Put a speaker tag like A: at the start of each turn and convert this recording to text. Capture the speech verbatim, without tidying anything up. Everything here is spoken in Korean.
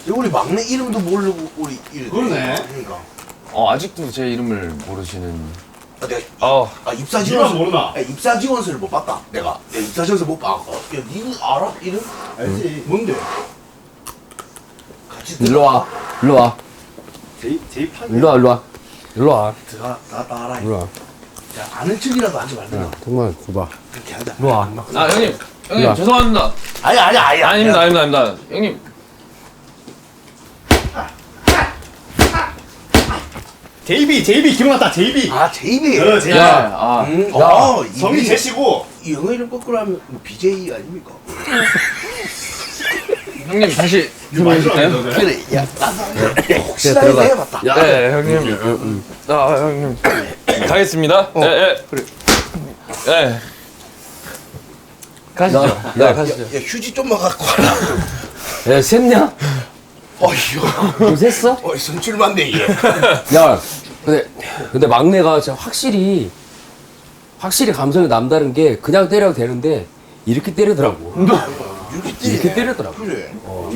A: 우리 막내 이름도 모르고 우리 이름.
B: 그러네.
A: 그러니까.
C: 어, 아직도 제 이름을 모르시는.
A: 아, 내가
C: 어,
A: 아, 입사
B: 니가
A: 지원서
B: 모르나?
A: 아, 입사 지원서를 못 봤다. 내가 내가 입사 지원서 못 봤고. 야, 니는 알아? 이름?
B: 알지.
A: 뭔데? 같이
D: 일로 와. 일로 와.
B: 제이 제이 판.
D: 일로 와. 일로 와. 일로 와.
A: 들어가 나 따라.
D: 일로 와.
A: 야, 아는 척이라도 하지 말든가.
D: 야, 정말 줘봐.
A: 그렇게 하자.
D: 일로 와.
C: 아, 형님. 형님,
D: 야.
C: 죄송합니다.
A: 아니 아니 아니.
C: 아닙니다, 아닙니다, 아닙니다. 형님.
B: 제이비 제이비 기억났다. 제이비.
A: 아, 제이비.
B: 어, 제이비.
C: 야, 아.
A: 음,
D: 야,
A: 어,
B: 성이
A: 이게
B: 제시고.
A: 이 영어 이름 거꾸로 하면 뭐 비제이 아닙니까?
C: 형님, 다시
B: 이거 많이
C: 해주실까요?
B: 들어왔네,
A: 그래, 야, 나도 혹시나
D: 들어가.
A: 이거 해봤다.
D: 야.
C: 네, 형님. 아, 형님. 가겠습니다. 예, 예. 그래. 예. 가시죠.
D: 야,
C: 네,
D: 야,
C: 가시죠.
A: 야, 휴지 좀만 갖고 와라.
D: 야, 샜냐?
A: 어휴,
D: 너 샜어?
A: 어이, 선출만데, 이게.
D: 야, 근데, 근데 막내가 진짜 확실히, 확실히 감성이 남다른 게 그냥 때려도 되는데, 이렇게 때리더라고.
A: 이렇게 때리네.
D: 이렇게 때리더라고.
A: 그래.